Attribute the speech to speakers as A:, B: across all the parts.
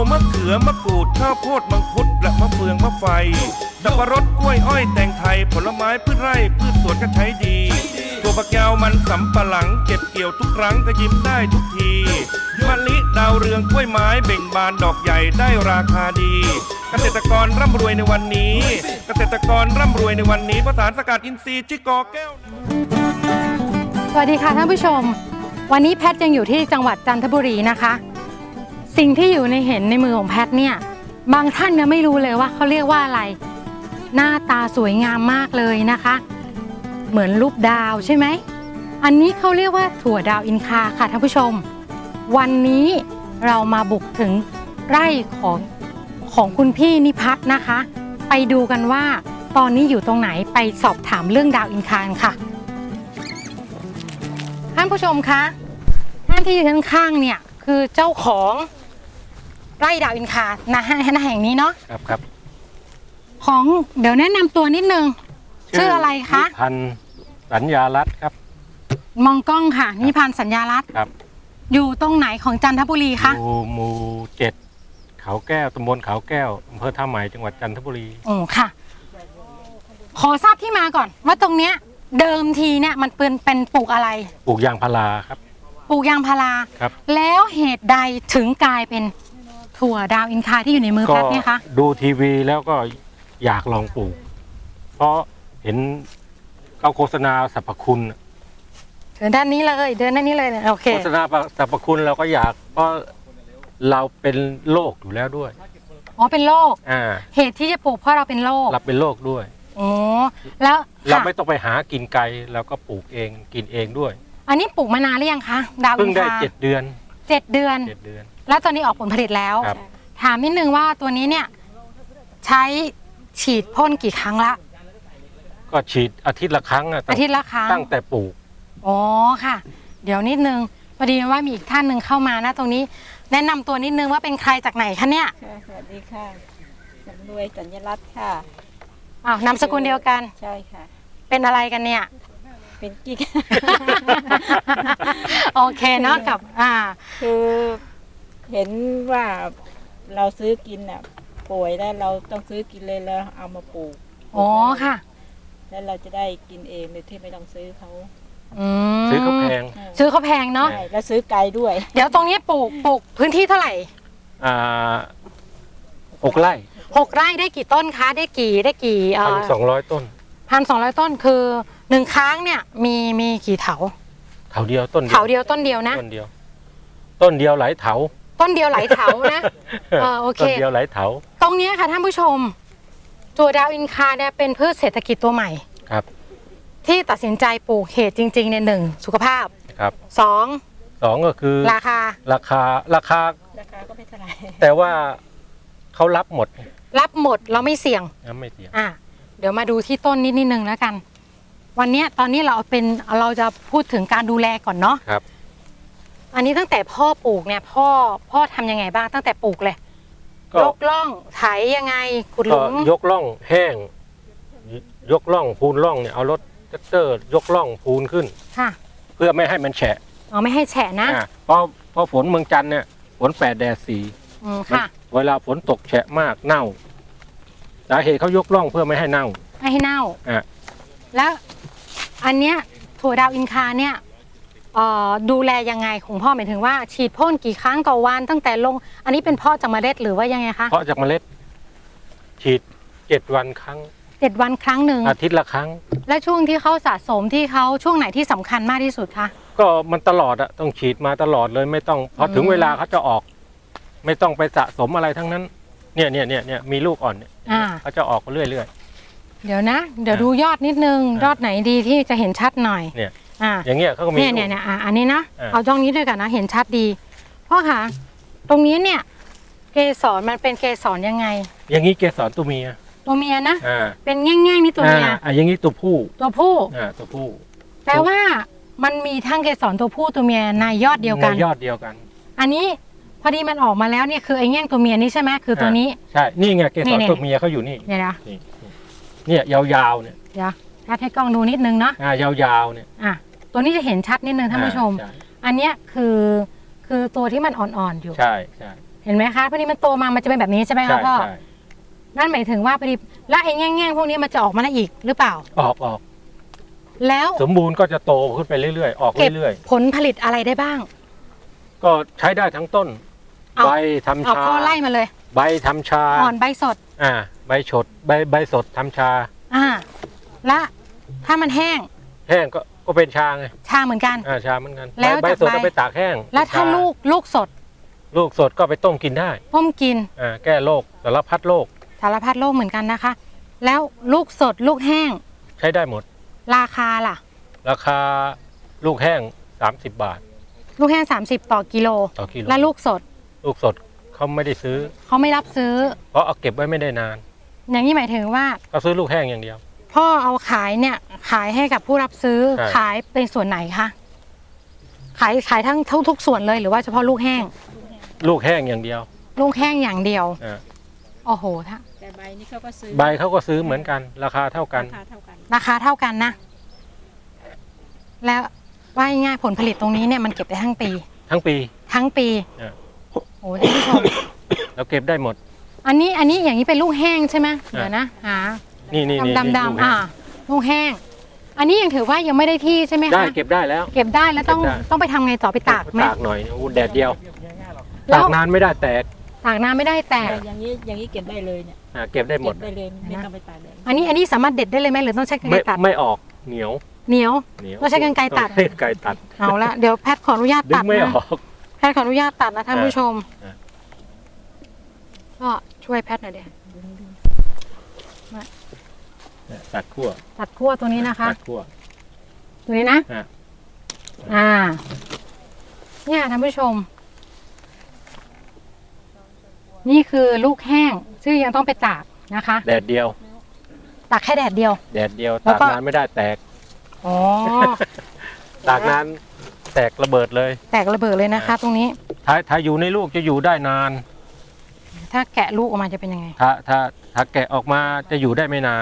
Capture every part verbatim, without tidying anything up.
A: มะเขือมะกรูดข้าวโพดมังคุดและมะเฟืองมะไฟสับปะรดกล้วยอ้อยแตงไทยผลไม้พืชไร่พืชสวนก็ใช้ดีตัวฝักยาวมันสำปะหลังเก็บเกี่ยวทุกครั้งก็ยิ้มได้ทุกทีมะลิดาวเรืองกล้วยไม้เบ่งบานดอกใหญ่ได้ราคาดีเกษตรกรร่ำรวยในวันนี้เกษตรกรร่ำรวยในวันนี้เพราะสารสกัดอินทรีย์ชิกอแก้ว
B: สวัสดีค่ะท่านผู้ชมวันนี้แพทย์ยังอยู่ที่จังหวัดจันทบุรีนะคะสิ่งที่อยู่ในเห็นในมือของแพทย์เนี่ยบางท่านยังไม่รู้เลยว่าเขาเรียกว่าอะไรหน้าตาสวยงามมากเลยนะคะเหมือนรูปดาวใช่ไหมอันนี้เขาเรียกว่าถั่วดาวอินคาค่ะท่านผู้ชมวันนี้เรามาบุกถึงไร่ของของคุณพี่นิพัฒน์นะคะไปดูกันว่าตอนนี้อยู่ตรงไหนไปสอบถามเรื่องดาวอินคาค่ะท่านผู้ชมคะท่านที่อยู่ข้างๆเนี่ยคือเจ้าของไร่ดาวอินคาณแห่งนี้เนาะ
C: ครับครับ
B: ของเดี๋ยวแนะนำตัวนิดนึงชื่ออะไรคะ
C: นิพันธ์สัญญารัตน์ครับ
B: มองกล้องค่ะนิพันธ์สัญญารัตน์
C: ครับ
B: อยู่ตรงไหนของจันทบุรีคะ
C: อยู่หมู่เจ็ดเขาแก้วตำบลเขาแก้วอำเภอท่าใหม่จังหวัดจันทบุรี
B: โอ้ค่ะขอทราบที่มาก่อนว่าตรงเนี้ยเดิมทีเนี่ยมันเป็นเป็นปลูกอะไร
C: ปลูกยางพาราครับ
B: ปลูกยางพารา
C: ครับ
B: แล้วเหตุใดถึงกลายเป็นถั่วดาวอินคาที่อยู่ในมือแพทย์เนี่ยคะ
C: ดูทีวีแล้วก็อยากลองปลูกเพราะเห็นเขาโฆษณาสรรพคุณ
B: เดินด้านนี้เลยเดินด้านนี้เลยโอเค
C: โฆษณาสรรพคุณเราก็อยากเพราะเราเป็นโรคอยู่แล้วด้วย
B: อ๋อเป็นโรค
C: อ่า
B: เหตุที่จะปลูกเพราะเราเป็นโรค
C: เราเป็นโรคด้วย
B: อ๋อแล้ว
C: เราไม่ต้องไปหากินไกลเราก็ปลูกเองกินเองด้วย
B: อันนี้ปลูกมานานหรือยังคะดาวอินคา
C: เพิ่งได้เจ็ดเดือน
B: เจ็ดเดือน
C: เจ็ดเดือน
B: แล้วตอนนี้ออกผลผลิตแล้วถามนิดนึงว่าตัวนี้เนี่ยใช้ฉีดพ่นกี่ครั้งละ
C: ก็ฉีดอาทิตย์ละครั้ง
B: อาทิตย์ละครั้ง
C: ตั้งแต่ปลูก
B: อ๋อค่ะเดี๋ยวนิดนึงพอดีว่ามีอีกท่านหนึ่งเข้ามานะตรงนี้แนะนำตัวนิดนึงว่าเป็นใครจากไหนคะเนี่ย
D: สวัสดีค่ะสำรวยสัญรัตน์ค่ะ
B: อ้าวนามสกุลเดียวกัน
D: ใช่ค่ะ
B: เป็นอะไรกันเนี่ย
D: เป็นกิ๊ก
B: โอเคเนาะกับอ่า
D: คือเห็นว่าเราซื้อกินอ่ะป่วยแล้วเราต้องซื้อกินเลยแล้วเอามาปลูก
B: อ๋อค่ะ
D: แล้วเราจะได้กินเองโดยที่ไม่ต้องซื้อเขา
C: ซื้อเขาแพง
B: ซื้อเขาแพงเนาะ
D: แล้วซื้อไกลด้วย
B: เดี๋ยวตรงนี้ปลูกปลูกพื้นที่เท่าไหร่
C: อ่าหกไร่
B: หกไร่ได้กี่ต้นคะได้กี่ได้กี่
C: พันสองร้อยต้น
B: พันสองร้อยต้นคือหนึ่งครั้งเนี่ยมีมีกี่เถา
C: เถาเดียวต้น
B: เถาเดียวต้นเดียวนะ
C: ต้นเดียวต้นเดียวหลายเถา
B: ต้นเดียวหลายเถานะเออโอเค
C: ต้นเดียวหลายเถา
B: ตรงนี้ค่ะท่านผู้ชมตัวดาวอินคาเนี่ยเป็นพืชเศรษฐกิจตัวใหม่
C: ครับ
B: ที่ตัดสินใจปลูกเหตุจริงๆในหนึ่งสุขภาพ
C: ครับ
B: สอง
C: สองก็คือ
B: ราคา
C: ราคาราคา
D: ราคาก็ไม่เท่าไหร่
C: แต่ว่าเขารับหมด
B: รับหมดเราไม่เสี่ยง
C: ไม่เสี่ยง
B: อ่ะเดี๋ยวมาดูที่ต้นนิดนิดนึงแล้วกันวันนี้ตอนนี้เราเป็นเราจะพูดถึงการดูแลก่อนเนาะ
C: ครับ
B: อันนี้ตั้งแต่พ่อปลูกเนี่ยพ่อพ่อทำยังไงบ้างตั้งแต่ปลูกเลยยกล่องไถยังไงขุดหลุม
C: ยกล่องแห้งยกล่องพูนล่องเนี่ยเอารถแท็กเตอร์ยกล่องพูนขึ้น
B: ค่ะ
C: เพื่อไม่ให้มันแฉะ
B: อ๋อไม่ให้แฉะนะ
C: เพราะเพราะฝนเมืองจันทร์เนี่ยฝนแปดแดดสี่
B: ค่ะ
C: เวลาฝนตกแฉะมากเน่าสาเหตุเขายกล่องเพื่อไม่ให้เน่า
B: ไม่ให้เน่า
C: อ่ะ
B: แล้วอันเนี้ยถั่วดาวอินคาเนี่ยดูแลยังไงของพ่อหมายถึงว่าฉีดพ่นกี่ครั้งต่อวันตั้งแต่ลงอันนี้เป็นเพาะจากเมล็ดหรือว่ายังไงคะ
C: เพาะจากเมล็ดฉีดเจ็ดวันครั้ง
B: เจ็ดวันครั้งหนึ่ง
C: อาทิตย์ละครั้ง
B: และช่วงที่เขาสะสมที่เขาช่วงไหนที่สำคัญมากที่สุดคะ
C: ก็มันตลอดอะต้องฉีดมาตลอดเลยไม่ต้องพอถึงเวลาเขาจะออกไม่ต้องไปสะสมอะไรทั้งนั้นเนี่ยเนี่ยเนี่ยเนี่ยมีลูกอ่อนเนี่ยเขาจะออกเรื่อยเรื่อย
B: เดี๋ยวนะเดี๋ยวดูยอดนิดนึงยอดไหนดีที่จะเห็นชัดหน่อย
C: เนี่ยอ่าอย่างเงี้ยเขาก็มี
B: เนี่ยเนี่ยเนี่ยอันนี้นะเอาจ้องนี้ด้วยกันนะเห็นชัดดีพ่อคะตรงนี้เนี่ยเกสรมันเป็นเกสรยังไง
C: อย่างนี้เกสรตัวเมีย
B: ตัวเมียนะ
C: อ่า
B: เป็นแง่งๆนี่ตัวเมีย
C: อ่าอย่างนี้ตัวผู้
B: ตัวผู้
C: อ่าตัวผู้
B: แปลว่ามันมีทั้งเกสรตัวผู้ตัวเมียในยอดเดียวกัน
C: ในยอดเดียวกัน
B: อันนี้พอดีมันออกมาแล้วเนี่ยคือไอ้แง่งตัวเมียนี่ใช่ไหมคือตัวนี้
C: ใช่นี่ไงเกสรตัวเมียเขาอยู่นี่
B: เนี่ยนะ
C: เนี่ยยาวๆเนี่ย
B: เดี๋ยวชัดให้กล้องดูนิดนึงเนาะ
C: อ่ายาวๆเนี่ย
B: อ่ะตัวนี้จะเห็นชัดนิดนึงท่านผู้ชมอันเนี้ยคือคือตัวที่มันอ่อนๆอยู่
C: ใช่ใช่
B: เห็นไหมคะพอดีมันโตมามันจะเป็นแบบนี้ใช่ไหม
C: ใช่
B: คะพ่อ
C: ใช่
B: นั่นหมายถึงว่าพอดีแล้วไอ้แง่งๆพวกนี้มันจะออกมาได้อีกหรือเปล่า
C: ออกออก
B: แล้ว
C: สมบูรณ์ก็จะโตขึ้นไปเรื่อยๆ ออก
B: เก็บ
C: เรื่อย
B: ผลผลิตอะไรได้บ้าง
C: ๆ ก็ใช้ได้ทั้งต้น
B: เอา
C: ใบทำ
B: เอา
C: ชา
B: พ่อไล่มาเลย
C: ใบทำชา
B: อ่อนใบสด
C: อ่าใบฉดใบใบสดทำชา
B: อ่าและถ้ามันแห้ง
C: แห้งก็ก็เป็นชาไง
B: ชาเหมือนกัน
C: อ่าชาเหมือนกัน
B: แล้ว
C: ใบ
B: จาก
C: สด
B: ใบ
C: เอาไปตากแห้ง
B: แล้วถ้า
C: ช
B: ลูกลูกสด
C: ลูกสดก็ไปต้มกินได้
B: ต้มกิน
C: อ่าแก้โรคสารพัดโรค
B: สารพัดโรคเหมือนกันนะคะ แล้วลูกสดลูกแห้ง
C: ใช้ได้หมด
B: ราคาล่ะ
C: ราคาลูกแห้งสามสิบบาท
B: ลูกแห้งสามสิบต่อกิโล
C: ต่อกิโล
B: และลูกสด
C: ลูกสดเขาไม่ได้ซื้อ
B: เขาไม่รับซื้อ
C: เพราะเอาเก็บไว้ไม่ได้นาน
B: อย่างนี้หมายถึงว่า
C: ก็ซื้อลูกแห้งอย่างเดียว
B: พ่อเอาขายเนี่ยขายให้กับผู้รับซื้อ
C: ใช่
B: ขายเป็นส่วนไหนคะขายขายทั้งทุกทุกส่วนเลยหรือว่าเฉพาะลูกแห้ง
C: ลูกแห้งอย่างเดียว
B: ลูกแห้งอย่างเดียว
C: อ่า
B: โอ้โหถ้า
D: แต่ใบนี่เขาก็ซื้อ
C: ใบเขาก็ซื้อเหมือนกัน ราคาเท่ากัน
D: ราคาเท่ากัน
B: ราคาเท่ากันนะ แล้วว่าง่ายๆผลผลิตตรงนี้เนี่ยมันเก็บได้ทั้งปี
C: ทั้งปี
B: ทั้งปี
C: อ่า
B: โอ้ท่านผู้ชม
C: เราเก็บได้หมด
B: อันนี้อันนี้อย่างนี้เป็นลูกแห้งใช่ไหมเดี๋ยวนะหา
C: นี่นี่นี่
B: ดำดำ
C: ลูก
B: ๆ
C: แห้
B: อ่าง ลูกแห้ง อันนี้ยังถือว่ายังไม่ได้ที่ใช่ไหม
C: ได้
B: คะ
C: เก็บได้แล้ว
B: เก็บได้แล้วต้อง
C: เก็บได้
B: ต้องไปทำไงต่อไปตากไหม
C: ตากหน่อยอู้แดดเดียว
B: แล้
C: ตาว กนานไม่ได้แตก
B: ตากน้ำไม่ได้แตก
D: แต่อย่างนี้อย่างนี้เก็บได้เลยเนี่ย
C: อ่าเก็บได้หม
D: เก็
C: ด
D: บได้เลยไม่ต้องไปตากแดด
B: อันนี้อันนี้สามารถเด็ดได้เลยไหมหรือต้องใช้กรร
C: ไม่
B: ไกรตัด
C: ไม่ออกเหนียว
B: เหนียว
C: เหนียว
B: ต้องใช้กรรไกรตัด
C: ต้องใช้กรรไกรตัด
B: เอาละเดี๋ยวแพทย์ขออนุญาต
C: ดึ
B: ตั
C: ง
B: ด
C: ไม่
B: นะ
C: ออก
B: แพทย์ขออนุญาตตัดนะท่านผู้ชม
C: อ่า
B: ก็ช่วยแพทย์หน่อยเดี๋ยว
C: ตัดขั้ว
B: ตัดขั้วตัวนี้นะคะ
C: ตัดขั้ว
B: ตัวนี้นะ
C: อ่ะ
B: อ่า เนี่ยท่านผู้ชม นี่คือลูกแห้งซึ่งยังต้องไปตากนะคะ
C: แดดเดียว
B: ตากแค่แดดเดียว
C: แดดเดียว
B: แล้ว
C: ตาก
B: ก็
C: นานไม่ได้แตก
B: อ๋อ
C: ตากนานแตกระเบิดเลย
B: แตกระเบิดเลยนะคะ ตรงนี้
C: ถ้าถ้าอยู่ในลูกจะอยู่ได้นาน
B: ถ้าแกะลูกออกมาจะเป็นยังไง
C: ถ้าถ้าถ้าแกะออกมาจะอยู่ได้ไม่นาน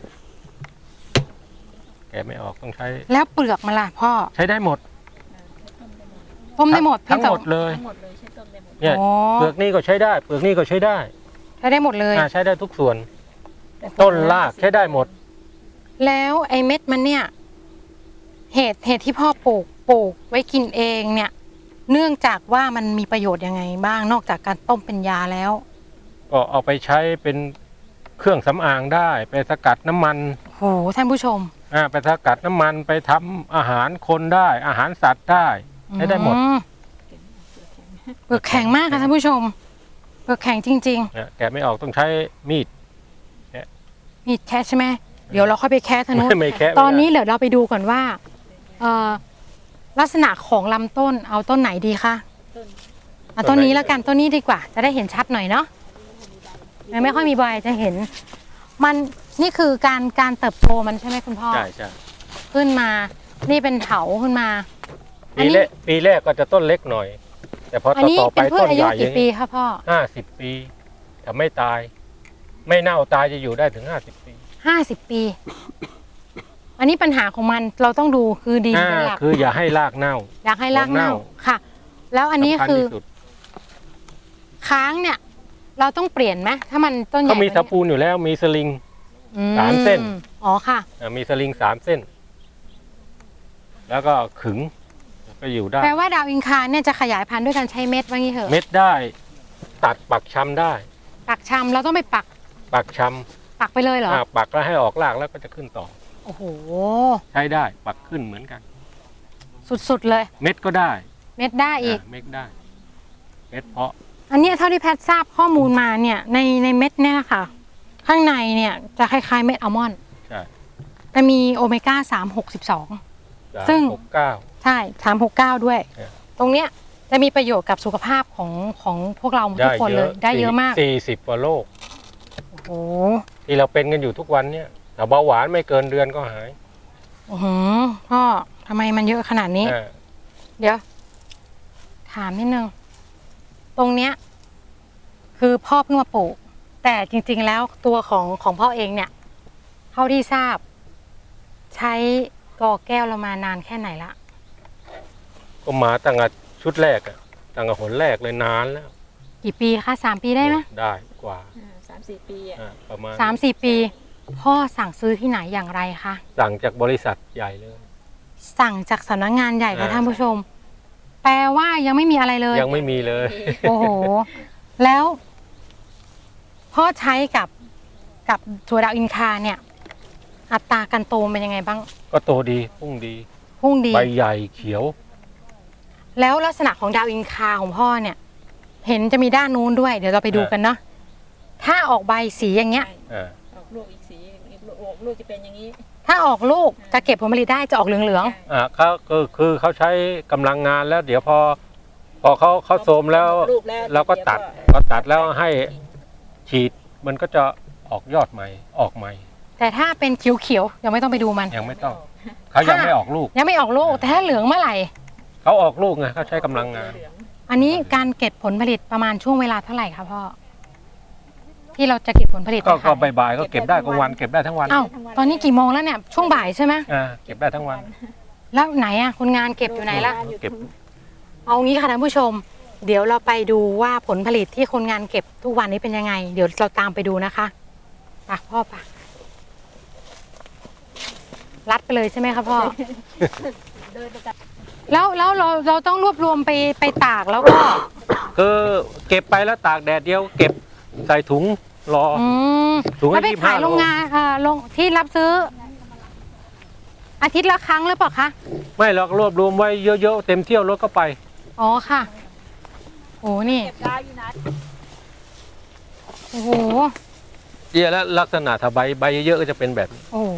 C: แกะไม่ออกต้องใช้
B: แล้วเปลือกมันล่ะพ่อ
C: ใช้ได้หมด
B: ต้มได้หมด
C: ทั้ง
B: เพีย
C: หมด
B: แต่
C: เลย
D: ทั้งหมดเลยใช้ต้มได้หมด
C: เนี่ย
B: อ๋อ
C: เปลือกนี่ก็ใช้ได้ เปลือกนี่ก็ใช้ได้
B: ใช้ได้หมดเลย
C: อ่าใช้ได้ทุกส่วน ต้นรากใช้ได้หมด
B: แล้วไอ้เม็ดมันเนี่ย เหตุเหตุที่พ่อปลูกปลูกไว้กินเองเนี่ย เนื่องจากว่ามันมีประโยชน์ยังไงบ้างนอกจากการต้มเป็นยาแล้ว
C: ก็เอาไปใช้เป็นเครื่องสำอางได้ ไปสกัดน้ำมัน
B: โหท่านผู้ชม
C: อ่าไปสกัดน้ำมันไปทำอาหารคนได้ อาหารสัตว์ได้ใช้ได้หมด
B: อืเปลือกแข็งมากค่ะท่านผู้ชม เปลือกแข็งจริง
C: เนี่ยแกะไม่ออกต้องใช้มีด
B: ๆ มีแคะใช่ไหมเดี๋ยวเราค่อยไปแคะทางนู้น
C: ไม่แคะไม่ได้
B: ตอนนี้เดี๋ยวเราไปดูก่อนว่าเอ่อลักษณะของลำต้นเอาต้นไหนดีคะ
D: ต้น
B: เอาต้นนี้แล้วกันต้นนี้ดีกว่า จะได้เห็นชัดหน่อยเนาะยังไม่ค่อยมีใบจะเห็น มันนี่คือการการเติบโตมันใช่ไหมคุณพ่อ
C: ใช่ใช่
B: ขึ้นมา นี่เป็นเถาขึ้นมา อัน
C: ปี
B: นี้
C: แรกปีแรกก็จะต้นเล็กหน่อย แต่พอ
B: อัน
C: ต่อ
B: นี้
C: ต่อไป
B: เป็นพืช
C: ต้น
B: อา
C: ให
B: ยุ
C: ญ่อ
B: กี่
C: ย่าง
B: ปี
C: นี้
B: คะพ่อ
C: ห้าสิบปีแต่ไม่ตาย ไม่เน่าตายจะอยู่ได้ถึงห้าสิบปี
B: ห้าสิบปี อันนี้ปัญหาของมันเราต้องดูคือดิน
C: อ่า
B: เป็นหลัก
C: คืออย่าให้รากเน่า
B: อยากให้รากเน่า
C: เน่า
B: ค่ะ แล้วอันนี้
C: สำญ
B: คือ
C: ที่สุด
B: ค้างเนี่ย เราต้องเปลี่ยนไหมถ้ามันต้นใหญ่
C: เขามี
B: ก
C: ตะ
B: ว่านี้
C: ปูนอยู่แล้วมีสลิง
B: อื
C: สามเส้น
B: อ๋อค่ะ
C: อ่ามีสลิงสามเส้น แล้วก็ขึงแล้วก็อยู่ได้
B: แปลว่าดาวอินคาเนี่ยจะขยายพันธุ์ด้วยการใช้เม็ดว่างี้เหรอะ
C: เม็ดได้ ตัดปักชำได้
B: ปักชำเราต้องไปปัก
C: ปักช
B: ปักไปเลยเหร
C: ำ
B: อ
C: อ่าปักแล้วให้ออกรากแล้วก็จะขึ้นต่อ
B: โอ้โห
C: ใช้ได้ ปักขึ้นเหมือนกัน
B: สุดๆเลย
C: เม็ดก็ได้
B: เม็ดได้อีก
C: อ่าเม็ดได้ เม็ดเพาะ
B: อันเนี้ยเท่าที่แพทย์ทราบข้อมูลมาเนี่ย ในในเม็ดเนี่ยค่ะ ข้างในเนี่ยจะคล้ายๆเม็ดอัลมอนด์
C: ใช่
B: แต่มีโอเมก้าสามหกสิบสอง
C: สาม
B: ซึ่ง
C: หกเก้า
B: ใช่สามหกเก้าด้วย
C: เออ
B: ตรงเนี้ยจะมีประโยชน์กับสุขภาพของของพวกเราทุกคนเลย ได้เยอะมาก
C: สี่สิบกว่าโรค
B: โอ้โห
C: ที่เราเป็นกันอยู่ทุกวันเนี่ยแต่เบาหวานไม่เกินเดือนก็หาย
B: โอ้โหพ่อทำไมมันเยอะขนาดนี้
C: อ่า
B: เดี๋ยว ถามนิดนึง ตรงเนี้ย คือพ่อเพิ่งมาปลูก แต่จริงๆแล้วตัวของของพ่อเองเนี่ย เท่าที่ทราบ ใช้กอแก้วเรามานานแค่ไหนละ
C: ก็มาตั้งแต่ชุดแรกอะตั้งแต่หนแรกเลยนานแล้ว
B: กี่ปีคะสามปีได้ไหม
C: ได้กว่า
D: อ่าสามสี่ปีอ่ะ
C: อ่าประมาณ
B: สามสี่ปี พ่อสั่งซื้อที่ไหนอย่างไรคะ
C: สั่งจากบริษัทใหญ่เลย
B: สั่งจากสำนักงานใหญ่ค่ะ
C: อ่า
B: ท่านผู้ชม แปลว่ายังไม่มีอะไรเลย
C: ยังไม่มีเลย
B: โอ้โห แล้ว พ่อใช้กับกับถั่วดาวอินคาเนี่ย อัตราการโตเป็นยังไงบ้าง
C: ก็โตดีพุ่งดี
B: พุ่งดี
C: ใบใหญ่เขียว
B: แล้วลักษณะของดาวอินคาของพ่อเนี่ย เห็นจะมีด้านนู้นด้วย เดี๋ยวเราไปดูกันเนาะถ้าออกใบสีอย่างเงี้ย
C: อ่า
D: ออกลูกอีกสีอีกลูกออกลูกจะเป็นอย่างนี้
B: ถ้าออกลูกจะเก็บผลผลิตได้จะออกเหลือง
C: อ่าเขาก็คือเขาใช้กำลังงานแล้ว เดี๋ยวพอ พอเขาเขาโทรมแล้ว
D: ลูกแล้ว
C: เราก็ตัด
D: เดี๋ยว
C: ก็ตัดแล้วให้ฉีดมันก็จะออกยอดใหม่ออกใหม่
B: ๆ แต่ถ้าเป็นเขียวๆยังไม่ต้องไปดูมัน
C: ยังไม่ต้องเขายังไม่ออกลูก
B: ยังไม่ออกลูก แต่ถ้าเหลืองเมื่อไหร่
C: เขาออกลูกไงเขาใช้กำลังงาน
D: เหลือง
B: อันนี้การเก็บผลผลิตประมาณช่วงเวลาเท่าไหร่คะพ่อ ที่เราจะเก็บผลผลิต
C: ก็
B: ไป
C: ก็
B: ขาย
C: บ่ายๆก็เก็บได้กลางวันเก็บได้ทั้งวัน
B: อ้าวตอนนี้กี่โมงแล้วเนี่ย ช่วงบ่ายใช่ไหม
C: อ่าเก็บได้ทั้งวัน
B: แล้วไหนอะคนงานเก็บอยู่ไหนล่ะ
C: เก็บ
B: เอางี้ค่ะท่านผู้ชม เดี๋ยวเราไปดูว่าผลผลิตที่คนงานเก็บทุกวันนี้เป็นยังไง เดี๋ยวเราตามไปดูนะคะไปพ่อไปรัดไปเลยใช่ไหมคะพ่อ
D: เดินไปกับ
B: แล้วแล้วเราเราต้องรวบรวมไปไปตากแล้วก็
C: คือเก็บไปแล้วตากแดดเดียว เก็บใส่ถุงรอ
B: อืม
C: ถุงละ
B: แล้วไป
C: ยี่สิบห้า
B: ขายโรงงานเอ่อโรงที่รับซื้อ อาทิตย์ละครั้งหรือเปล่าคะ
C: ไม่หรอกรวบรวมไว้เยอะๆเต็มเที่ยวรถก็ไป
B: อ๋อค่ะโอ้นี่
D: เก็บได้อยู่นะ
B: โอ้โห
C: เยอะแล้วลักษณะถ้าใบใบเยอะๆก็จะเป็นแบบนี้
B: โอ้โห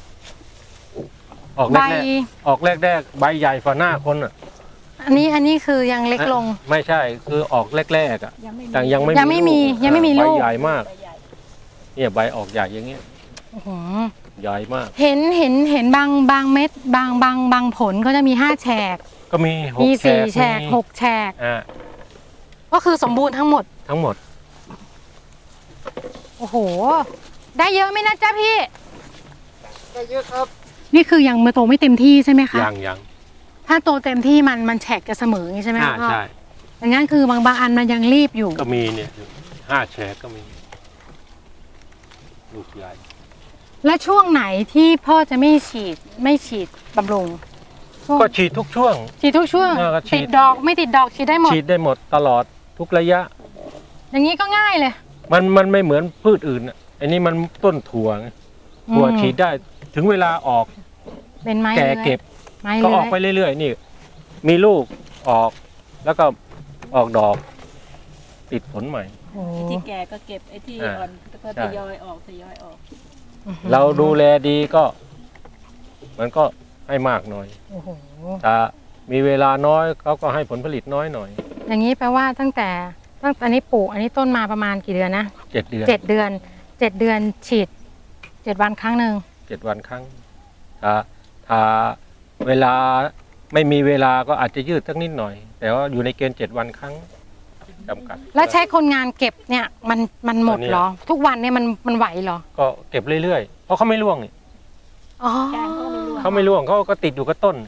C: ออก
B: ใบ
C: แรกๆออกแรกๆใบใหญ่ฝ่าหน้าคนอ่ะ
B: อันนี้อันนี้คือยังเล็กลง
C: ไม่ใช่คือออกแรกๆอ่ะ
D: ยังไม่มี
C: แต่ยังไม่
B: ยังไม่มี
C: ลูก
B: ยังไม่มีลูก
C: ใบใหญ่มาก
D: ใบใหญ่
C: เนี่ยใบออกใหญ่อย่างเงี้ย
B: โอ้โห
C: ใหญ่มาก
B: เห็นเห็นเห็นบางบางเม็ดบางบางบางผลก็จะมีห้าแฉก
C: ก็มีหก
B: มี
C: แฉ
B: สี่
C: ก
B: แฉก
C: มี
B: หกแฉก
C: อ่า
B: ก็คือสมบูรณ์ทั้งหมด
C: ทั้งหมด
B: โอ้โห ได้เยอะไหมนะจ๊ะพี่
C: ได้เยอะครับ
B: นี่คือยังมาโตไม่เต็มที่ใช่ไหมคะ
C: ยังยัง
B: ถ้าโตเต็มที่มันมันแฉกจะเสมออย่างนี้ใช่ไหม
C: อ่า
B: คะพ่อ
C: ใช่
B: ดังนั้นคือบางบางอันมันยังรีบอยู่
C: ก็มีเนี่ยห้าแฉกก็มี ลูกใหญ่
B: และช่วงไหนที่พ่อจะไม่ฉีดไม่ฉีดบำรุงช่วง
C: ก็ฉีดทุกช่วง
B: ฉีดทุกช่วง
C: เออก็ฉีด
B: ติดดอกไม่ติดดอกฉีดได้หมด
C: ฉีดได้หมดตลอดทุกระยะ
B: อย่างนี้ก็ง่ายเลย
C: มันมันไม่เหมือนพืชอื่นอ่ะอันนี้มันต้นถั่วไงถั่ว
B: อืม
C: ฉีดได้ถึงเวลาออก
B: เป็นไม้
C: แก่
B: เลื้อย
C: เก็บ
B: ไม้
C: ก็
B: เลื้
C: อ
B: อ
C: อกไป
B: ย
C: เรื่อยๆนี่ มีลูกออก แล้วก็ออกดอก ติดผลใหม่
B: โอ้
D: ไอ้ที่แก่ก็เก็บไอ้ที่
C: อ่า
D: อ่อนก็
C: ใช่
D: ทยอยออกทยอยออก
C: เราดูแลดีก็ มันก็ให้มากหน่อย
B: โอ้โห
C: ถ้ามีเวลาน้อยเขาก็ให้ผลผลิตน้อยหน่อย
B: อย่างนี้แปลว่าตั้งแต่ตั้งแต่อันนี้ปลูกอันนี้ต้นมาประมาณกี่เดือนนะ
C: เจ็ดเดือน
B: เจ็ดเดือนเจ็ดเดือนฉีดเจ็ดวันครั้งหนึ่ง
C: เจ็ดวันครั้ง ถ้าถ้าเวลาไม่มีเวลาก็อาจจะยืดสักนิดหน่อย แต่ว่าอยู่ในเกณฑ์เจ็ดวันครั้งจำกัด
B: แล้วใช้คนงานเก็บเนี่ยมันมันหมด
C: ตอนเนี้ย
B: เหรอ ทุกวันเนี่ยมันมันไหวเหรอ
C: ก็เก็บเรื่อยๆ เพราะเขาไม่ร่วงนี่
B: อ๋อ
D: แกงเขาไม่ร่วง
C: เขาไม่ร่วงเขาก็ติดอยู่กับต้น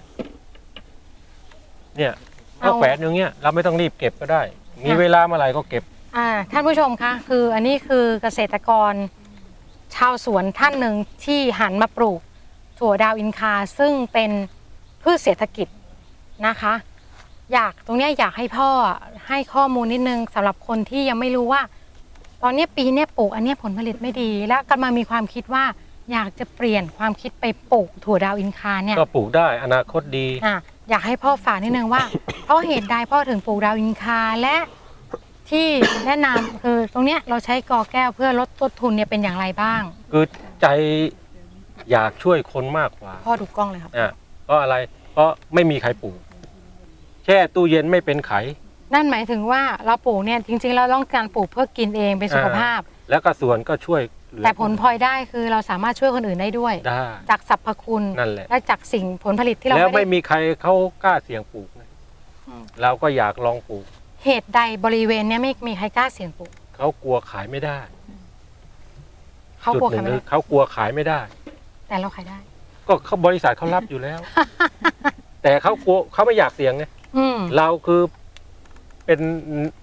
C: เนี่ยเขา
B: เอา
C: แฝดอย่างเงี้ยเราไม่ต้องรีบเก็บก็ได้ มีเวลาเมื่อไหร่ก็เก็บ
B: อ่าท่านผู้ชมคะคืออันนี้คือเกษตรกรชาวสวนท่านหนึ่งที่หันมาปลูกถั่วดาวอินคาซึ่งเป็นพืชเศรษฐกิจนะคะ อยากตรงเนี้ยอยากให้พ่อให้ข้อมูลนิดนึงสำหรับคนที่ยังไม่รู้ว่า ตอนเนี้ยปีเนี้ยปลูกอันเนี้ยผลผลิตไม่ดี แล้วกำลังมีความคิดว่าอยากจะเปลี่ยนความคิดไปปลูกถั่วดาวอินคาเนี่ย
C: ก็ปลูกได้อนาคตดี
B: อ่ะอยากให้พ่อฝากนิดนึงว่า เพราะเหตุใดพ่อถึงปลูกดาวอินคาและที่แนะนำคือตรงเนี้ยเราใช้กอแก้วเพื่อลดต้นทุนเนี่ยเป็นอย่างไรบ้าง
C: คือใจอยากช่วยคนมากกว่า
B: พ่อดูกล้องเลยครับ
C: อ่ะเพราะอะไร เพราะไม่มีใครปลูก แช่ตู้เย็นไม่เป็นไข
B: นั่นหมายถึงว่าเราปลูกเนี่ยจริงๆเราต้องการปลูกเพื่อกินเองเป็นสุขภาพ
C: แล้วก็ส่วนก็ช่วยเหลือ
B: แต่ผลพลอยได้คือเราสามารถช่วยคนอื่นได้ด้วย
C: ได้
B: จากสรรพคุณ
C: นั่นแหละ
B: และจากสิ่งผลผลิตที่เรา
C: แล้ว
B: ไม่
C: ไม่
B: ได้
C: มีใครเขากล้าเสี่ยงปลูกนะ
B: อืม
C: เราก็อยากลองปลูก
B: เหตุใดบริเวณเนี้ยไม่มีใครกล้าเสี่ยงปลูก
C: เขากลัวขายไม่ได้
B: เขา
C: จุด
B: กลัว
C: หนึ่
B: ขาย
C: ง
B: ไม่
C: คือ
B: ได้
C: เขากลัวขายไม่ได้
B: แต่เราขายได้
C: ก็เขาบริษัทเขารับอยู่แล้ว แต่เขากลัวเขาไม่อยากเสี่ยงไง
B: อืม
C: เราคือเป็น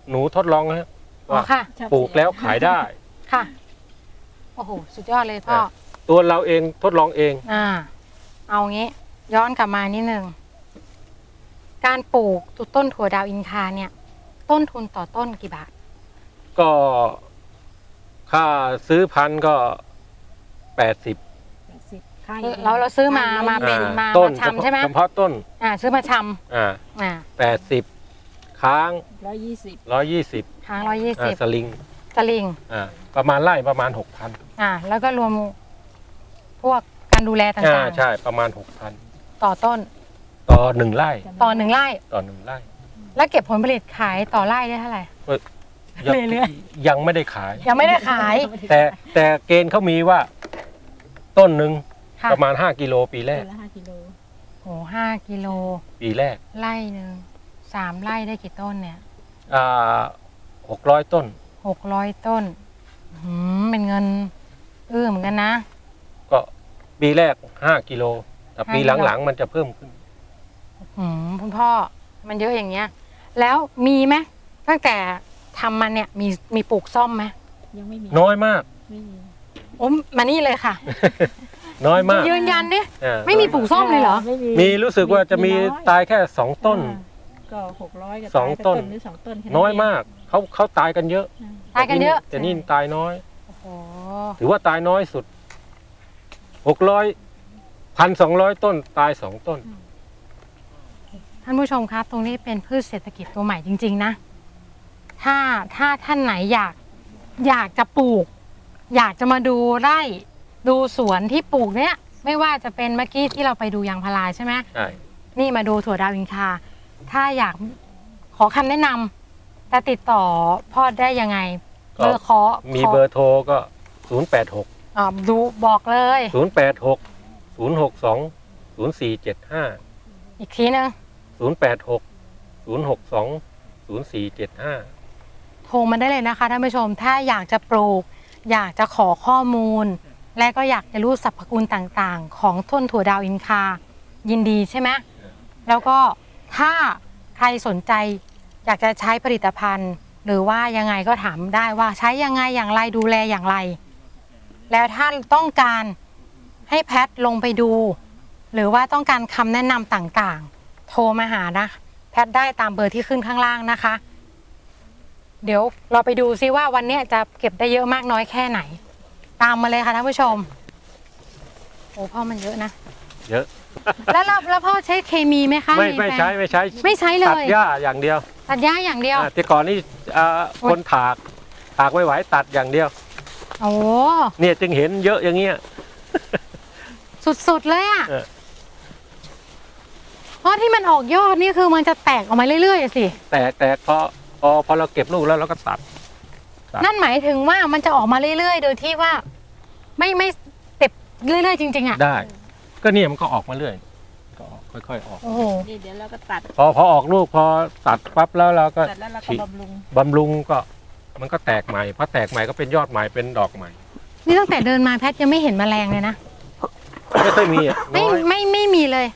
C: หนูทดลองนะ
B: อ๋อ
C: ว่า
B: ค่ะ
D: ชอบ
C: ปลูกแล้วขายได้
B: ค่ะ โอ้โห สุดยอดเลยพ่อ
C: ตัวเราเองทดลองเอง
B: อ่า เอางี้ ย้อนกลับมานิดนึง การปลูกต้นถั่วดาวอินคาเนี่ย ต้นทุนต่อต้นกี่บาท
C: ก็ค่าซื้อพันธุ์ก็แปดสิบ
D: แปดสิบค่า
B: เราเราซื้อมามาเป็นมา
C: ต้น
B: มาชำใช่ไหม
C: เฉพาะต้น
B: อ่า ซื้อมาช
C: อ่า
B: ำอ่า
C: แปดสิบค้าง
D: ร้อยยี่สิบ
C: ร้อยยี่สิบ
B: ค้างร้อยยี่
C: อ่า
B: สิบ
C: สลิง
B: สลิง
C: อ่าประมาณไร่ประมาณหกพัน
B: อ่า แล้วก็รวมพวกการดูแลต่
C: อ่า
B: าง
C: ใช่ประมาณหกพัน
B: ๆ ต่อต้น
C: ต่อหนึ่งไร่
B: ต่อหนึ่งไร่
C: ต่อหนึ่งไร่
B: แล้วเก็บผลผลิตขายต่อไร่ได้เท่าไหร่
C: ยัง
B: เรื่อย
C: ยังไม่ได้ขาย
B: ยังไม่ได้ขาย
C: แต่แต่เกณฑ์เขามีว่า ต้นหนึ่ง
B: ค่ะ
C: ประมาณห้ากิโลปีแร
D: ต้
C: ก
D: นละห้ากิโล
B: โอ้ห้ากิโล
C: ปีแรก
B: ไร่หนึ่งสามไร่ได้กี่ต้นเนี่ย
C: อ่าหกร้อยต้น
B: หกร้อยต้นหืมเป็นเงินเอื้อเหมือนกันนะ
C: ก็ปีแรกห้ากิโลแต่ปี
B: ห้ากิโล
C: หลังๆมันจะเพิ่มขึ้น
B: หืมคุณพ่อมันเยอะอย่างเงี้ย แล้วมีไหมตั้งแต่ทำมันเนี่ยมีมีปลูกซ่อมไหม
D: ยังไม่มี
C: น้อยมาก
D: ไม่มี
B: โอ้มานี่เลยค่ะ
C: น้อยมาก
B: ยืนยันดิ
C: อ่า
B: ไม่มีปลูกซ่อมเลยเหรอ
D: ไม่
C: มีรู้สึกว่าจะมี
D: น้อย
C: ตายแค่สองต้น
D: อ่าก็หกร้อยกับ
C: สอง
D: ตายไป
C: ต้น
D: หรือสองต้นแค่
C: น้อย
D: เง
C: มากเขาเขาตายกันเยอะ
D: อ่า
B: ตายกันเยอะ
C: แต่นี่ตายน้อย
B: โอ้โห
C: ถือว่าตายน้อยสุดหกร้อยพันสองร้อยต้นตายสองต้น
B: ท่านผู้ชมครับ ตรงนี้เป็นพืชเศรษฐกิจตัวใหม่จริง ๆ นะ ถ้าถ้าท่านไหนอยากอยากจะปลูก อยากจะมาดูไร่ดูสวนที่ปลูกเนี้ยไม่ว่าจะเป็นเมื่อกี้ที่เราไปดูยางพาราใช่ไหม
C: ใช่
B: นี่มาดูถั่วดาวอินคา ถ้าอยากขอคำแนะนำจะติดต่อพ่อได้ยังไง เบอร์ขอ
C: มี
B: ขอ
C: เบอร์โทรก็ศูนย์แปดหก
B: อ่าดูบอกเลย
C: ศูนย์แปดหกศูนย์หกสองศูนย์สี่เจ็ดห้า
B: อีกทีนึง
C: ศูนย์แปดหกศูนย์หกสองศูนย์สี่เจ็ดห้า
B: โทรมาได้เลยนะคะท่านผู้ชม ถ้าอยากจะปลูก อยากจะขอข้อมูล และก็อยากจะรู้สรรพคุณต่างๆ ของต้นถั่วดาวอินคา ยินดีใช่ไหมแล้วก็ถ้าใครสนใจอยากจะใช้ผลิตภัณฑ์ หรือว่ายังไงก็ถามได้ว่าใช้ยังไงอย่างไรดูแลอย่างไร แล้วถ้าต้องการให้แพทย์ลงไปดู หรือว่าต้องการคำแนะนำต่างๆ โทรมาหานะ แพทย์ได้ตามเบอร์ที่ขึ้นข้างล่างนะคะ เดี๋ยวเราไปดูซิว่าวันนี้จะเก็บได้เยอะมากน้อยแค่ไหน ตามมาเลยค่ะท่านผู้ชมโอ้พ่อมันเยอะนะ
C: เยอะ
B: แล้วแล้วแล้วพ่อใช้เคมีไหมคะ
C: ไม่
B: ใน
C: ไม่
B: แปลง
C: ใช้ไม่ใช้
B: ไม่ใช้เลย
C: ตัดหญ้าอย่างเดียว
B: ตัดหญ้าอย่างเดียว
C: อ่าแต่ก่อนนี่อ่าคนถากถากไม่ไหวตัดอย่างเดียว
B: โอ้
C: เนี่ยจึงเห็นเยอะอย่างเงี้ย
B: สุดๆเลยอ่ะ
C: เออ
B: เพราะที่มันออกยอดนี่คือมันจะแตกออกมาเรื่อยๆสิ
C: แต่แต่พอพอพอเราเก็บลูกแล้วเราก็ตัด ครับ
B: นั่นหมายถึงว่ามันจะออกมาเรื่อยๆ โดยที่ว่า ไม่ไม่เต็บเรื่อยๆจริงๆอ่ะ
C: ได้ ก็เนี่ยมันก็ออกมาเรื่อยก็ออกค่อยๆออก
B: โอ้โห
D: นี่เดี๋ยวเราก็ตัด
C: พอพอออกลูกพอตัดปั๊บแล้วเราก็
D: ตัดแล้วเราก็
C: ฉีด
D: บำรุง
C: บำรุงก็มันก็แตกใหม่พอแตกใหม่ก็เป็นยอดใหม่เป็นดอกใหม่
B: นี่ตั้งแต่เดินมาแพทย์ยังไม่เห็นแมลงเลยนะ
C: ไม่ค่อยมีอ่ะ
B: ไม่
C: น้อย
B: ไม่ไม่มีเลย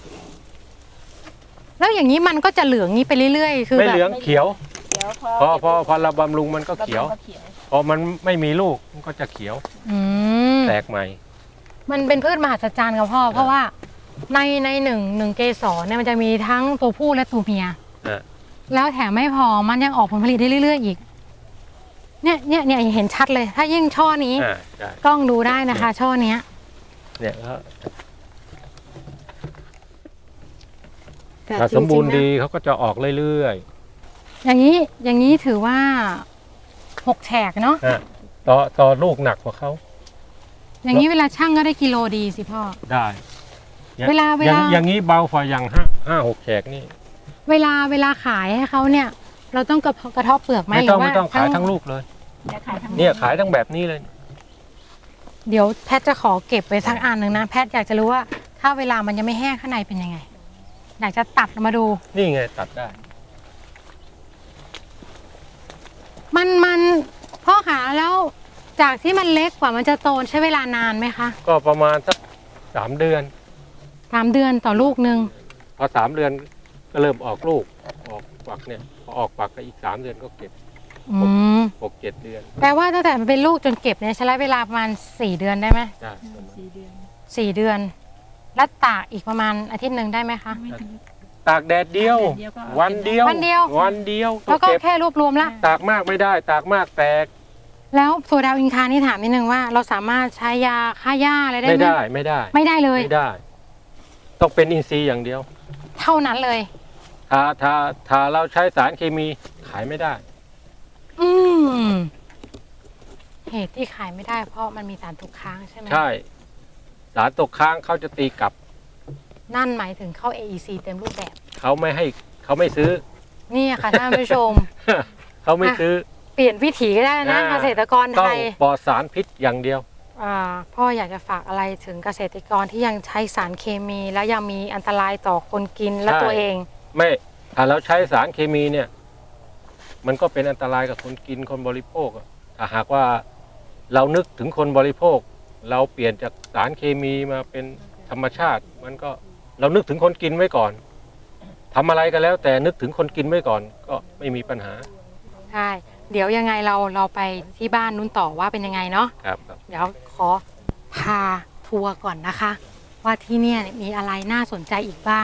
B: แล้วอย่างนี้มันก็จะเหลืองนี้ไปเรื่อยๆ คือ
C: ไม่
B: แบบ
C: เหลืองเขียว
D: เดี๋ยวพอ
C: พอพอพอเราบำรุงมันก็เขียว
D: บำรุงก็เขียว
C: พอมันไม่มีลูกมันก็จะเขียว
B: อืม
C: แตกใหม่
B: มันเป็นพืชมหัศจรรย์กับพ่อ เพราะว่าในในหนึ่งหนึ่งเกสรเนี่ยมันจะมีทั้งตัวผู้และตัวเมีย
C: อ่ะ
B: แล้วแถมไม่พอมันยังออกผลผลิตได้เรื่อยๆอีก เนี่ยเนี่ยเนี่ยเห็นชัดเลย ถ้ายิ่งช่อนี้
C: อ่าใช่
B: กล้องดูได้นะคะ ช่อเนี้ย
C: เนี่ยก็
D: แต่
C: ถ้า
D: จงๆ
C: สมบูรณ์
D: นะ
C: ดีเขาก็จะออกเรื่อย
B: อย่างนี้อย่างนี้ถือว่าหกแฉกเนาะ
C: ๆอ่ะต่อต่อลูกหนักกว่าเขา
B: อย่างนี้เวลาช่างก็ได้กิโลดีสิพ่อ
C: ได้
B: เวลาเว
C: อย่า
B: ลา
C: งอย่างนี้เบาฝ่าอย่างห้าห้าหกแฉกนี่
B: เวลาเวลาขายให้เขาเนี่ย เราต้องกระกระเทบเปลือกไหม
C: ไม่ต้อง
B: หรื
C: ไม่
B: ว่า
C: ต้องขายทั้งลูกเลย
D: เดี๋ยวขายทั้ง
C: เนี่ยขายทั้งแบบนี้เลย
B: เดี๋ยวแพทย์จะขอเก็บไว้สักอันหนึ่งนะ แพทย์อยากจะรู้ว่า ถ้าเวลามันยังไม่แห้งข้างในเป็นยังไง อยากจะตัดมาดู
C: นี่ไงตัดได้
B: มันมันพ่อขาแล้วจากที่มันเล็กกว่ามันจะโตใช้เวลานานไหมคะ
C: ก็ประมาณสักสามเดือน
B: สามเดือนต่อลูกหนึ่ง
C: พอสามเดือนก็เริ่มออกลูกออกฝักฝักเนี่ยพอออกฝักก็อีกสามเดือนก็เก็บ
B: อืม
C: หกเจ็ดเดือน
B: แปลว่าตั้งแต่มันเป็นลูกจนเก็บเนี่ยใช้เวลาประมาณสี่เดือนได้ไหม
C: ได้ประมาณ
D: สี่เดือน
B: สี่เดือน แล้วตากอีกประมาณอาทิตย์หนึ่งได้ไหมคะ
D: ไม่ถึง
C: ตากแดดเดียว
D: ตากแดดเดียวก็เอา
C: วันเดียว
B: วันเดียว
C: วันเดียว
B: แล้วก็
C: เก็บ
B: แค่รวบรวมละ
C: ตากมากไม่ได้ ตากมากแตก
B: แล้วถั่วดาวอินคานี่ถามนิดนึงว่า เราสามารถใช้ยาฆ่าหญ้าอะไรได้ไหม
C: ไม่ได้ไม่ได้
B: ไม่ได้เลย
C: ไม่ได้ ต้องเป็นอินทรีย์อย่างเดียว
B: เท่านั้นเลย
C: ถ้าถ้าถ้าเราใช้สารเคมีขายไม่ได้
B: อืมเหตุที่ขายไม่ได้เพราะมันมีสารตกค้างใช่ไหม
C: ใช่ สารตกค้างเขาจะตีกลับ
B: นั่นหมายถึงเข้า เอ อี ซี เต็มรูปแบบ
C: เขาไม่ให้เขาไม่ซื้อ
B: นี่ค่ะท่านผู้ชม
C: เขาไม่ซื้อ
B: เปลี่ยนวิถีก็ได้นะ
C: อ่า
B: เกษตรกร
C: ต้
B: ไท
C: อง
B: ย
C: ปลอดสารพิษอย่างเดียว
B: อ่าพ่ออยากจะฝากอะไรถึงเกษตรกรที่ยังใช้สารเคมี แล้วยังมีอันตรายต่อคนกินและ
C: ใช่
B: ตัวเอง
C: ไม่ถ้าเราใช้สารเคมีเนี่ย มันก็เป็นอันตรายกับคนกินคนบริโภคอะถ้าหากว่าเรานึกถึงคนบริโภค เราเปลี่ยนจากสารเคมีมาเป็นธรรมชาติ มันก็เรานึกถึงคนกินไว้ก่อนทำอะไรก็แล้ว แต่นึกถึงคนกินไว้ก่อน ก็ไม่มีปัญหา
B: ใช่ เดี๋ยวยังไงเราเราไปที่บ้านนู้นต่อว่าเป็นยังไงเนาะ
C: ครับครับ
B: เดี๋ยวขอพาทัวร์ก่อนนะคะ ว่าที่เนี่ยมีอะไรน่าสนใจอีกบ้าง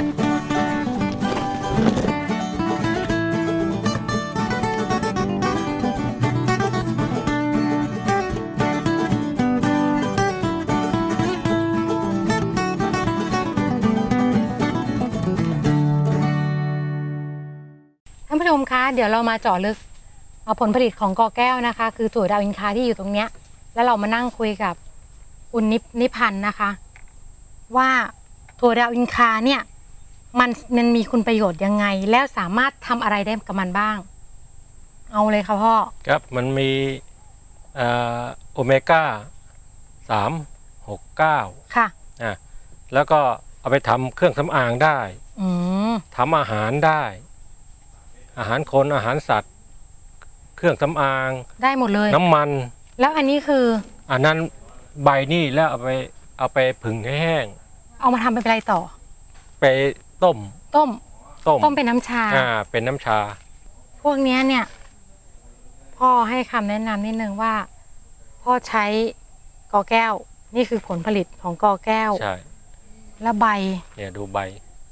B: ท่านผู้ชมคะเดี๋ยวเรามาเจาะลึกเอาผลผลิตของกอแก้วนะคะ คือถั่วดาวอินคาที่อยู่ตรงเนี้ยแล้วเรามานั่งคุยกับคุณนิพนิพันธ์นะคะ ว่าถั่วดาวอินคาเนี่ยมันมันมีคุณประโยชน์ยังไง แล้วสามารถทำอะไรได้กับมันบ้าง เอาเลยค่ะพ่อ
C: ครับมันมีเอ่อโอเมก้าสามหกเก้า
B: ค่ะ
C: อ่ะแล้วก็เอาไปทำเครื่องสำอางได้
B: อืม
C: ทำอาหารได้ อาหารคนอาหารสัตว์ เครื่องสำอาง
B: ได้หมดเลย
C: น้ำมัน
B: แล้วอันนี้คือ
C: อันนั้นใบนี่แล้วเอาไปเอาไปผึ่งให้แห้ง
B: เอามาทำเป็นอะไรต่อ
C: ไปต้ม
B: ต้ม
C: ต้ม
B: ต้มเป็นน้ำชา
C: อ่าเป็นน้ำชา
B: พวกเนี้ยเนี่ย พ่อให้คำแนะนำนิดนึงว่า พ่อใช้กอแก้ว นี่คือผลผลิตของกอแก้ว
C: ใช่
B: และใบ
C: เนี่ยดูใบ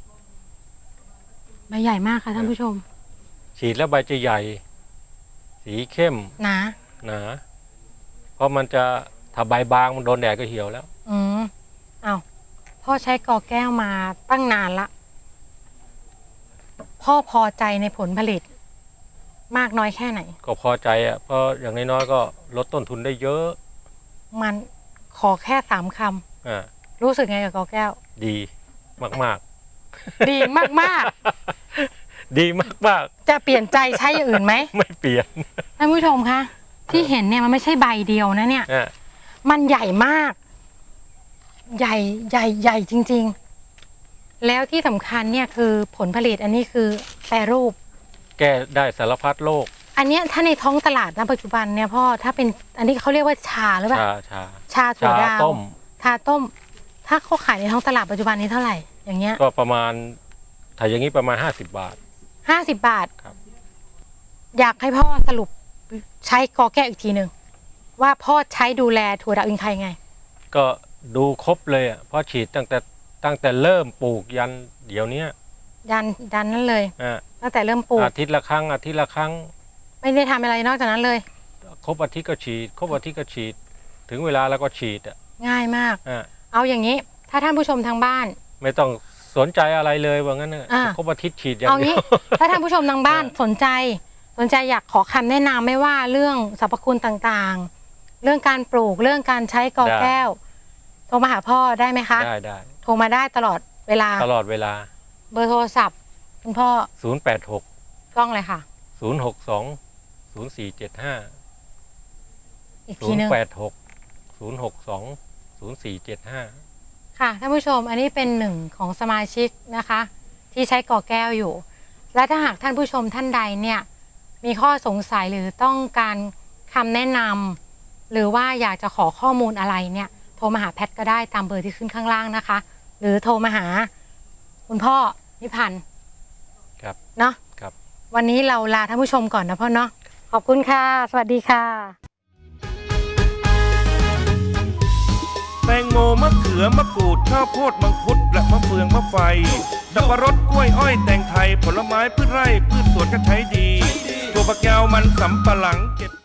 B: ใบใหญ่มากค่ะท่านผู้ชม
C: ฉีดแล้วใบจะใหญ่ สีเข้ม
B: หนา
C: หนาเพราะมันจะถ้าใบบางมันโดนแดดก็เหี่ยวแล้ว
B: อืมเอาพ่อใช้กอแก้วมาตั้งนานละ พ่อพอใจในผลผลิต มากน้อยแค่ไหน
C: ก็พอใจอ่ะเพราะอย่างน้อยๆก็ลดต้นทุนได้เยอะ
B: มันขอแค่สามค
C: อ่า
B: ำรู้สึกไงกับกอแก้ว
C: ดีมาก
B: ดีมาก
C: ๆ ดีมาก
B: ๆ จะเปลี่ยนใจใช้อย่างอื่นไหม
C: ๆ ไม่เปลี่ยน
B: ท่านผู้ชมคะที่เห็นเนี่ยมันไม่ใช่ใบเดียวนะเนี่ย
C: อ่า
B: มันใหญ่มาก ใหญ่ใหญ่ใหญ่จริง ๆ แล้วที่สำคัญเนี่ยคือผลผลิตอันนี้คือแปรรูป
C: แก้ได้สารพัดโรค
B: อันเนี้ยถ้าในท้องตลาดณปัจจุบันเนี่ยพ่อถ้าเป็นอันนี้เขาเรียกว่าชาหรือเปล่า
C: ชาชา
B: ชาถั่ว
C: ชา
B: ดาว
C: ต้ม
B: ชาต้ม ถ้าเขาขายในท้องตลาดปัจจุบันนี้เท่าไหร่ อย่างเงี้ย
C: ก็ประมาณถ้าอย่างนี้ประมาณห้าสิบบาท
B: ห้าสิบบาท
C: ครับ
B: อยากให้พ่อสรุปใช้กอแก้วอีกทีหนึ่งว่าพ่อใช้ดูแลถั่วดาวอินคายังไง
C: ก็ดูครบเลยอ่ะเพราะฉีดตั้งแต่ตั้งแต่เริ่มปลูกยันเดี๋ยวนี้
B: ดันดันนั่นเลย
C: อ่า
B: ตั้งแต่เริ่มปลูก
C: อาทิตย์ละครั้งอาทิตย์ละครั้ง
B: ไม่ได้ทำอะไรนอกจากนั้นเลย
C: ครบอาทิตย์ก็ฉีด ครบอาทิตย์ก็ฉีด ถึงเวลาแล้วก็ฉีดอ่ะ
B: ง่ายมาก
C: อ่า
B: เอาอย่างนี้ ถ้าท่านผู้ชมทางบ้าน
C: ไม่ต้องสนใจอะไรเลยว่างั้นน่ะ
B: อ่า
C: ครบอาทิตย์ฉีดอย่าง
B: เอา
C: เดี
B: งี้
C: ยว
B: ถ้าท่านผู้ชมทางบ้าน
C: อ่า
B: สนใจ สนใจอยากขอคำแนะนำไม่ว่าเรื่องสรรพคุณต่างๆ เรื่องการปลูกเรื่องการใช้กอแก้ว โทรมาหาพ่อได้ไหมคะ
C: ได้ได้
B: โทรมาได้ตลอดเวลา
C: ตลอดเวลา
B: เบอร์โทรศัพท์คุณพ่อ
C: ศูนย์ แปด หก
B: กล้องเลยค่ะ
C: ศูนย์ หก สอง ศูนย์ สี่ เจ็ด ห้า
B: อีก
C: ศู
B: ที
C: น
B: ห
C: ย์
B: นึง
C: แปด หก ศูนย์ หก สอง ศูนย์ สี่ เจ็ด ห้า
B: ค่ะท่านผู้ชมอันนี้เป็นหนึ่งของสมาชิกนะคะ ที่ใช้กอแก้วอยู่ และถ้าหากท่านผู้ชมท่านใดเนี่ยมีข้อสงสัยหรือต้องการคำแนะนำหรือว่าอยากจะขอข้อมูลอะไรเนี่ยโทรมาหาแพทก็ได้ตามเบอร์ที่ขึ้นข้างล่างนะคะ หรือโทรมาหาคุณพ่อนิพันธ์
C: ครับ
B: เนาะ
C: ครับ
B: ควันนี้เราลาท่านผู้ชมก่อนนะพ่อเนาะขอบคุณค่ะ สวัสดีค่ะ
A: แตงโมมะเขือมะกรูดข้าวโพดมังคุดและมะเฟืองมะไฟสับปะรดกล้วยอ้อยแตงไทยผลไม้พืชไร่พืชสวนก็ใช้ดีถั่วฝักยาวมันสำปะหลังเก็บ